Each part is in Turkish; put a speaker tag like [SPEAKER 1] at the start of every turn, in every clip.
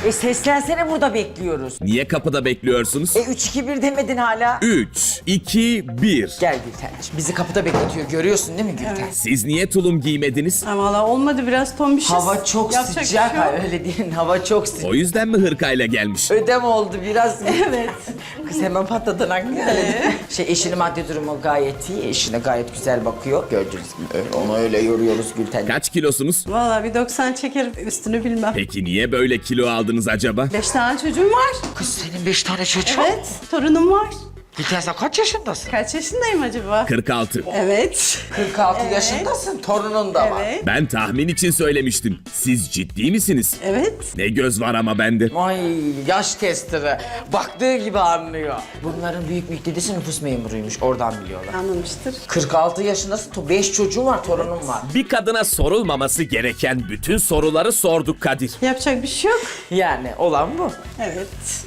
[SPEAKER 1] Seslensene, burada bekliyoruz.
[SPEAKER 2] Niye kapıda bekliyorsunuz?
[SPEAKER 1] 3-2-1 demedin hala.
[SPEAKER 2] 3, 2, 1.
[SPEAKER 1] Gel Gülten'ciğim, bizi kapıda bekletiyor, görüyorsun değil mi Gülten?
[SPEAKER 2] Siz niye tulum giymediniz?
[SPEAKER 3] Ama valla olmadı, biraz tombişiz.
[SPEAKER 1] Hava çok
[SPEAKER 3] Yapacak bir
[SPEAKER 1] sıcak.
[SPEAKER 3] şey yok.
[SPEAKER 1] Öyle değil, hava çok sıcak.
[SPEAKER 2] O yüzden mi hırkayla gelmiş?
[SPEAKER 1] Ödem oldu biraz.
[SPEAKER 3] Evet.
[SPEAKER 1] Kız hemen patladın aklına. Eşinin maddi durumu gayet iyi. Eşine gayet güzel bakıyor. Gördüğünüz gibi onu öyle yoruyoruz Gülten.
[SPEAKER 2] Kaç kilosunuz?
[SPEAKER 3] Valla bir 90 çekerim, üstünü bilmem.
[SPEAKER 2] Peki niye böyle kilo aldınız acaba?
[SPEAKER 3] 5 tane çocuğum var.
[SPEAKER 1] Kız senin 5 tane çocuğun.
[SPEAKER 3] Evet, torunum var.
[SPEAKER 1] Gülten sen kaç yaşındasın?
[SPEAKER 3] Kaç yaşındayım acaba?
[SPEAKER 2] 46.
[SPEAKER 3] Evet.
[SPEAKER 1] 46 yaşındasın. Torunun da var.
[SPEAKER 3] Evet.
[SPEAKER 2] Ben tahmin için söylemiştim. Siz ciddi misiniz?
[SPEAKER 3] Evet.
[SPEAKER 2] Ne göz var ama bende.
[SPEAKER 1] Ay yaş testleri. Baktığı gibi anlıyor. Bunların büyük dedesi nüfus memuruymuş. Oradan biliyorlar.
[SPEAKER 3] Anlamıştır.
[SPEAKER 1] 46 yaşındasın. 5 çocuğun var, torunun var.
[SPEAKER 2] Bir kadına sorulmaması gereken bütün soruları sorduk Kadir.
[SPEAKER 3] Yapacak bir şey yok.
[SPEAKER 1] Yani olan bu.
[SPEAKER 3] Evet.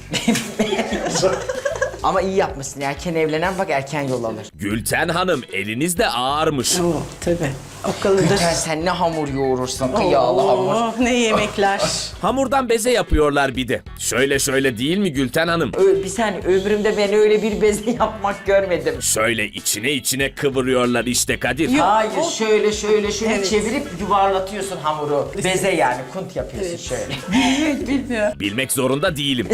[SPEAKER 1] Ama iyi yapmışsın. Erken evlenen bak erken yol alır.
[SPEAKER 2] Gülten Hanım eliniz de ağırmış.
[SPEAKER 3] Oo, tabii. O kalıdır.
[SPEAKER 1] Gülten sen ne hamur yoğurursun kıyağlı hamur.
[SPEAKER 3] Oh, ne yemekler.
[SPEAKER 2] Hamurdan beze yapıyorlar bir de. Şöyle değil mi Gülten Hanım?
[SPEAKER 1] Bir saniye, ömrümde ben öyle bir beze yapmak görmedim.
[SPEAKER 2] Şöyle içine kıvırıyorlar işte Kadir.
[SPEAKER 3] Yok.
[SPEAKER 1] Hayır, şöyle
[SPEAKER 3] Evet.
[SPEAKER 1] çevirip yuvarlatıyorsun hamuru. Beze yani, kunt yapıyorsun şöyle.
[SPEAKER 3] Evet, bilmiyorum.
[SPEAKER 2] Bilmek zorunda değilim.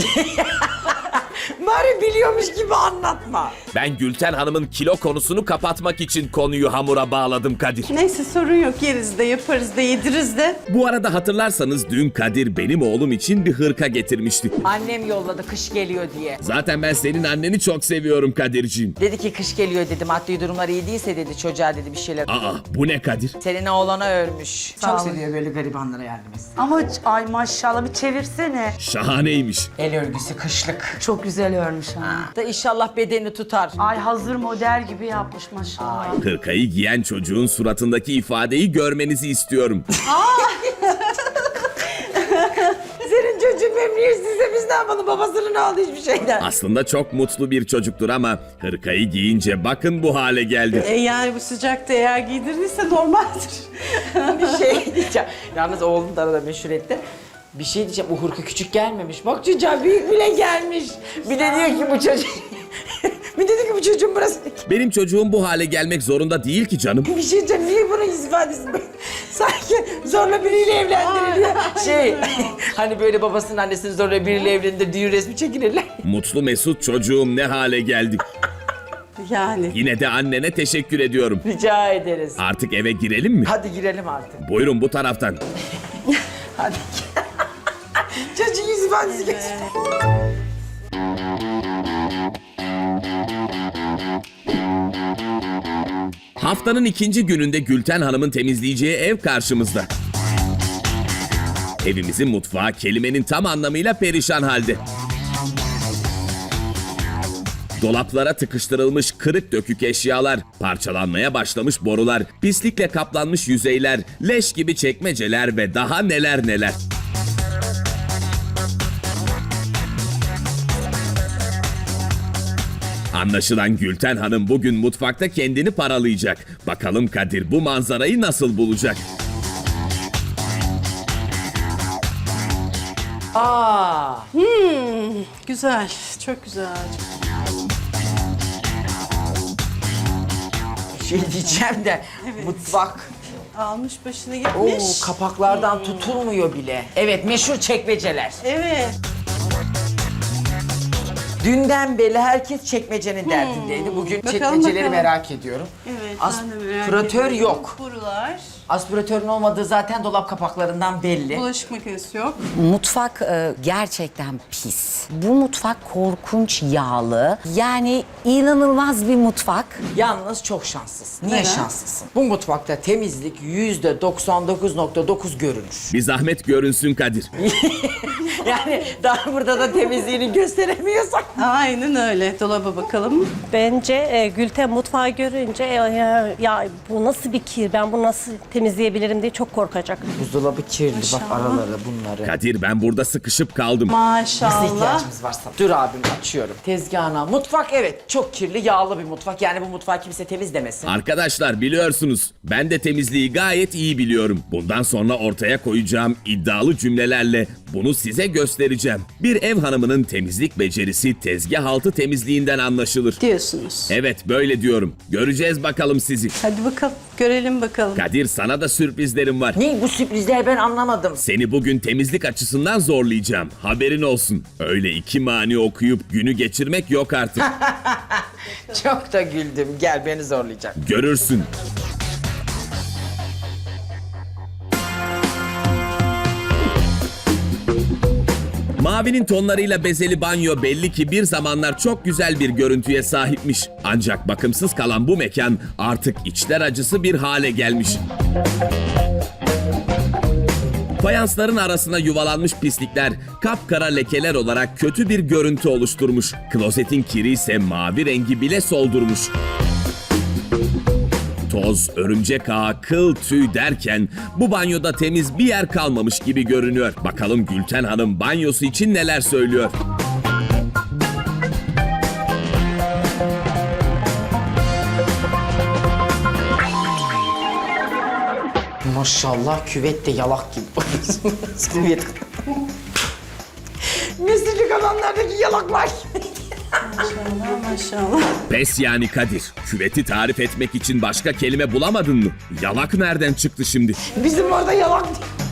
[SPEAKER 1] Bari biliyormuş gibi anlatma.
[SPEAKER 2] Ben Gülten Hanım'ın kilo konusunu kapatmak için konuyu hamura bağladım Kadir.
[SPEAKER 3] Neyse, sorun yok. Yeriz de, yaparız da, yediririz de.
[SPEAKER 2] Bu arada hatırlarsanız dün Kadir benim oğlum için bir hırka getirmişti.
[SPEAKER 1] Annem yolladı kış geliyor diye.
[SPEAKER 2] Zaten ben senin anneni çok seviyorum Kadir'ciğim.
[SPEAKER 1] Dedi ki kış geliyor dedi, maddi durumlar iyi değilse dedi, çocuğa dedi bir şeyler.
[SPEAKER 2] Aa bu ne Kadir?
[SPEAKER 1] Senin oğlana örmüş.
[SPEAKER 4] Sağ
[SPEAKER 1] Çok
[SPEAKER 4] olun.
[SPEAKER 1] seviyor böyle garibanlara yardım etsin.
[SPEAKER 4] Ama ay maşallah bir çevirsene.
[SPEAKER 2] Şahaneymiş.
[SPEAKER 1] El örgüsü kışlık.
[SPEAKER 4] Çok güzel örmüş ha.
[SPEAKER 1] Da inşallah bedeni tutar.
[SPEAKER 4] Ay hazır model gibi yapmış maşallah.
[SPEAKER 2] Hırkayı giyen çocuğun suratındaki ifadeyi görmenizi istiyorum.
[SPEAKER 1] Senin çocuğun memnuniyetsizse biz ne yapalım, babasının aldı hiçbir şeyden.
[SPEAKER 2] Aslında çok mutlu bir çocuktur ama hırkayı giyince bakın bu hale geldi.
[SPEAKER 3] Yani bu sıcakta eğer giydirdiyse normaldir.
[SPEAKER 1] Bir şey diyeceğim. Yalnız oğlum da arada meşhur etti. Bir şey diyeceğim, o hırka küçük gelmemiş. Bak çocuğa büyük bile gelmiş. Bir de diyor ki bu çocuk... bir dedi ki bu çocuğun burası...
[SPEAKER 2] Benim çocuğum bu hale gelmek zorunda değil ki canım.
[SPEAKER 1] Bir şey diyeceğim, niye bunun yüz ifadesi böyle? Sanki zorla biriyle evlendiriliyor. Hani böyle babasının annesini zorla biriyle evlendir, düğün resmi çekilirler.
[SPEAKER 2] Mutlu mesut çocuğum ne hale geldi.
[SPEAKER 3] Yani.
[SPEAKER 2] Yine de annene teşekkür ediyorum.
[SPEAKER 1] Rica ederiz.
[SPEAKER 2] Artık eve girelim mi?
[SPEAKER 1] Hadi girelim artık.
[SPEAKER 2] Buyurun bu taraftan.
[SPEAKER 1] Hadi. Çocuğun yüz ifadesi geçti.
[SPEAKER 2] Haftanın ikinci gününde Gülten Hanım'ın temizleyeceği ev karşımızda. Evimizin mutfağı kelimenin tam anlamıyla perişan halde. Dolaplara tıkıştırılmış kırık dökük eşyalar, parçalanmaya başlamış borular, pislikle kaplanmış yüzeyler, leş gibi çekmeceler ve daha neler neler. Anlaşılan Gülten Hanım bugün mutfakta kendini paralayacak. Bakalım Kadir bu manzarayı nasıl bulacak?
[SPEAKER 1] Aa,
[SPEAKER 3] Güzel. Çok güzel.
[SPEAKER 1] bir şey diyeceğim de mutfak.
[SPEAKER 3] Almış başını
[SPEAKER 1] Oo,
[SPEAKER 3] gitmiş.
[SPEAKER 1] kapaklardan tutulmuyor bile. Evet, meşhur çekmeceler.
[SPEAKER 3] Evet.
[SPEAKER 1] Dünden beri herkes çekmecenin derdindeydi. Bugün
[SPEAKER 3] Bakalım,
[SPEAKER 1] çekmeceleri
[SPEAKER 3] bakalım.
[SPEAKER 1] merak ediyorum.
[SPEAKER 3] Evet, ben de merak
[SPEAKER 1] Aspiratör
[SPEAKER 3] ediyorum.
[SPEAKER 1] yok.
[SPEAKER 3] Borular.
[SPEAKER 1] Aspiratörün olmadığı zaten dolap kapaklarından belli.
[SPEAKER 3] Bulaşık makinesi yok.
[SPEAKER 5] Mutfak gerçekten pis. Bu mutfak korkunç yağlı. Yani inanılmaz bir mutfak.
[SPEAKER 1] Yalnız çok şanslısın. Niye
[SPEAKER 3] Neden?
[SPEAKER 1] şanslısın? Bu mutfakta temizlik %99.9 görünür.
[SPEAKER 2] Bir zahmet görünsün Kadir.
[SPEAKER 1] Yani daha burada da temizliğini gösteremiyorsak.
[SPEAKER 3] Aynen öyle. Dolaba bakalım.
[SPEAKER 6] Bence Gülten mutfağı görünce ya bu nasıl bir kir, ben bunu nasıl temizleyebilirim diye çok korkacak.
[SPEAKER 1] Buzdolabı kirli bak araları bunları.
[SPEAKER 2] Kadir ben burada sıkışıp kaldım.
[SPEAKER 1] Nasıl
[SPEAKER 3] Maşallah.
[SPEAKER 1] ihtiyacımız varsa. Dur abim açıyorum. Tezgahına. Mutfak evet çok kirli yağlı bir mutfak. Yani bu mutfağı kimse temizlemesin.
[SPEAKER 2] Arkadaşlar biliyorsunuz ben de temizliği gayet iyi biliyorum. Bundan sonra ortaya koyacağım iddialı cümlelerle bunu size göstereceğim. Bir ev hanımının temizlik becerisi tezgah altı temizliğinden anlaşılır.
[SPEAKER 3] Diyorsunuz.
[SPEAKER 2] Evet böyle diyorum. Göreceğiz bakalım sizi.
[SPEAKER 3] Hadi bakalım. Görelim bakalım.
[SPEAKER 2] Kadir sana da sürprizlerim var.
[SPEAKER 1] Ne bu sürprizler ben anlamadım.
[SPEAKER 2] Seni bugün temizlik açısından zorlayacağım. Haberin olsun. Öyle iki mani okuyup günü geçirmek yok artık.
[SPEAKER 1] Çok da güldüm. Gel beni zorlayacak.
[SPEAKER 2] Görürsün. Mavinin tonlarıyla bezeli banyo belli ki bir zamanlar çok güzel bir görüntüye sahipmiş. Ancak bakımsız kalan bu mekan artık içler acısı bir hale gelmiş. Fayansların arasına yuvalanmış pislikler kapkara lekeler olarak kötü bir görüntü oluşturmuş. Klozetin kiri ise mavi rengi bile soldurmuş. Toz, örümcek ağı, kıl, tüy derken bu banyoda temiz bir yer kalmamış gibi görünüyor. Bakalım Gülten Hanım banyosu için neler söylüyor?
[SPEAKER 1] Maşallah küvet de yalak gibi. Küvet. Mesleği alanlardaki yalaklar.
[SPEAKER 3] Maşallah maşallah.
[SPEAKER 2] Pes yani Kadir. Küveti tarif etmek için başka kelime bulamadın mı? Yalak nereden çıktı şimdi?
[SPEAKER 1] Bizim orada yalak.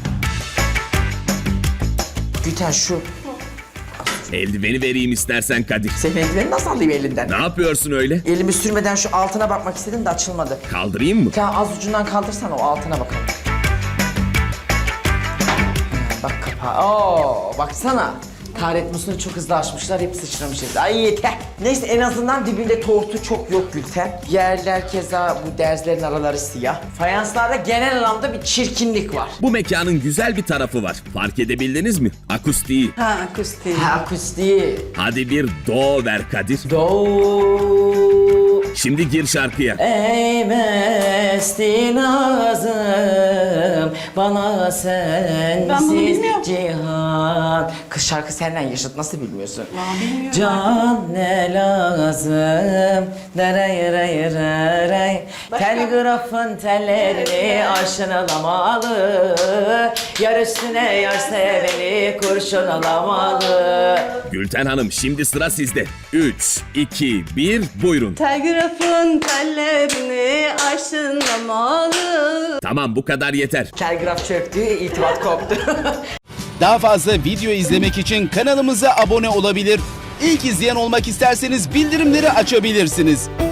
[SPEAKER 1] Gülten şu.
[SPEAKER 2] Eldiveni vereyim istersen Kadir.
[SPEAKER 1] Senin eldiveni nasıl alayım elinden?
[SPEAKER 2] Ne yapıyorsun öyle?
[SPEAKER 1] Elimi sürmeden şu altına bakmak istedim de açılmadı.
[SPEAKER 2] Kaldırayım mı?
[SPEAKER 1] Sen az ucundan kaldırsan o altına bakalım. Bak kapağı. Oo, baksana. Taharet musluğunu çok hızlı açmışlar, hep sıçramış evde. Ay yeter. Neyse en azından dibinde tortu çok yok Gülten. Yerler keza bu derzlerin araları siyah. Fayanslarda genel anlamda bir çirkinlik var.
[SPEAKER 2] Bu mekanın güzel bir tarafı var. Fark edebildiniz mi? Akustiği.
[SPEAKER 3] Ha akustik.
[SPEAKER 1] Ha akustiği.
[SPEAKER 2] Hadi bir do ver Kadir.
[SPEAKER 1] Do.
[SPEAKER 2] Şimdi gir şarkıya.
[SPEAKER 1] Ey mesti nazım, bana
[SPEAKER 3] Ben bunu
[SPEAKER 1] sensiz
[SPEAKER 3] bilmiyorum.
[SPEAKER 1] cihan. Kız şarkı senden yaşıt, nasıl bilmiyorsun? Can ne lazım, daray ray ray ray. Telgrafın tellerini aşınalamalı. Yar üstüne yar seveni kurşun alamalı.
[SPEAKER 2] Gülten Hanım şimdi sıra sizde. 3, 2, 1 buyurun.
[SPEAKER 3] Telgrafın tellerini aşınlamalı.
[SPEAKER 2] Tamam bu kadar yeter.
[SPEAKER 1] Telgraf çöktü, irtibat koptu.
[SPEAKER 7] Daha fazla video izlemek için kanalımıza abone olabilir. İlk izleyen olmak isterseniz bildirimleri açabilirsiniz.